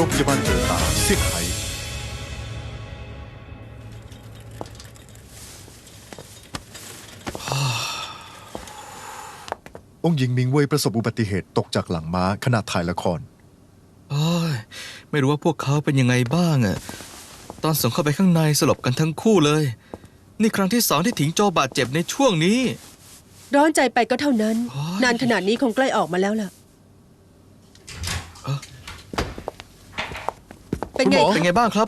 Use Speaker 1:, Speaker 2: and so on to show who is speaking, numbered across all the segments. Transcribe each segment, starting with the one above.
Speaker 1: รงพยาบาลเจิอตาเซี่ยงไฮ้องค์หญิงมิงเว่ยประสบอุบัติเหตุตกจากหลังม้าขณะถ่ายละคร
Speaker 2: โอ้ยไม่รู้ว่าพวกเขาเป็นยังไงบ้างอะตอนส่งเข้าไปข้างในสลบกันทั้งคู่เลยนี่ครั้งที่2ที่ถิงโจบาดเจ็บในช่วงนี้
Speaker 3: ร้อนใจไปก็เท่านั้น
Speaker 2: โอ้ย
Speaker 3: นานขนาดนี้คงใกล้ออกมาแล้วล่ะเป็นไง
Speaker 2: เป็นไงบ้างครับ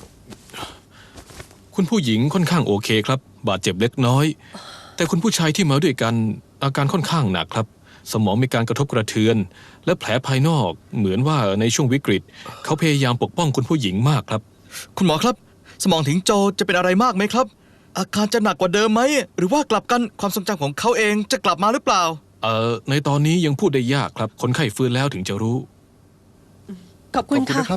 Speaker 4: คุณผู้หญิงค่อนข้างโอเคครับบาดเจ็บเล็กน้อย แต่คุณผู้ชายที่มาด้วยกันอาการค่อนข้างหนักครับ สมองมีการกระทบกระเทือน และแผลภายนอกเหมือนว่าในช่วงวิกฤตเขาพยายามปกป้องคุณผู้หญิงมากครับ
Speaker 2: คุณหมอครับ สมองถิงโจจะเป็นอะไรมากไหมครับ อาการจะหนักกว่าเดิมไหมหรือว่ากลับกันความทรงจำของเขาเองจะกลับมาหรือเปล่า
Speaker 4: ในตอนนี้ยังพูดได้ยากครับคนไข้ฟื้นแล้วถึงจะรู้
Speaker 3: ขอบคุณค่ะ
Speaker 1: นะครับ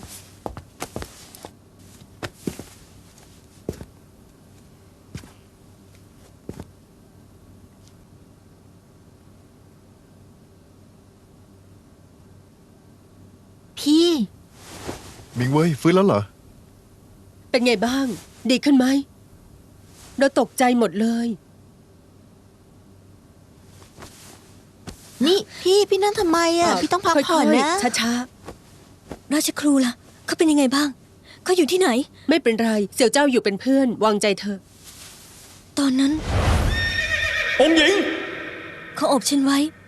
Speaker 5: พี่
Speaker 1: มิงเว่ยฟื้นแล้วเหรอ
Speaker 3: เป็นไงบ้าง ดีขึ้นไหมเราตกใจหมดเลย
Speaker 5: นี่พี่นั่นทำไมอ่ะพี่ต้องพักผ่อนนะ
Speaker 3: ช้า
Speaker 5: ราชครูล่ะเขาเป็นยังไงบ้างเขาอยู่ที่ไหน
Speaker 3: ๆไม่เป็นไรเสี่ยวเจ้าอยู่เป็นเพื่อนวางใจเธอ
Speaker 5: ตอนนั้น
Speaker 2: องค์หญิง
Speaker 5: เขาอบฉันไว้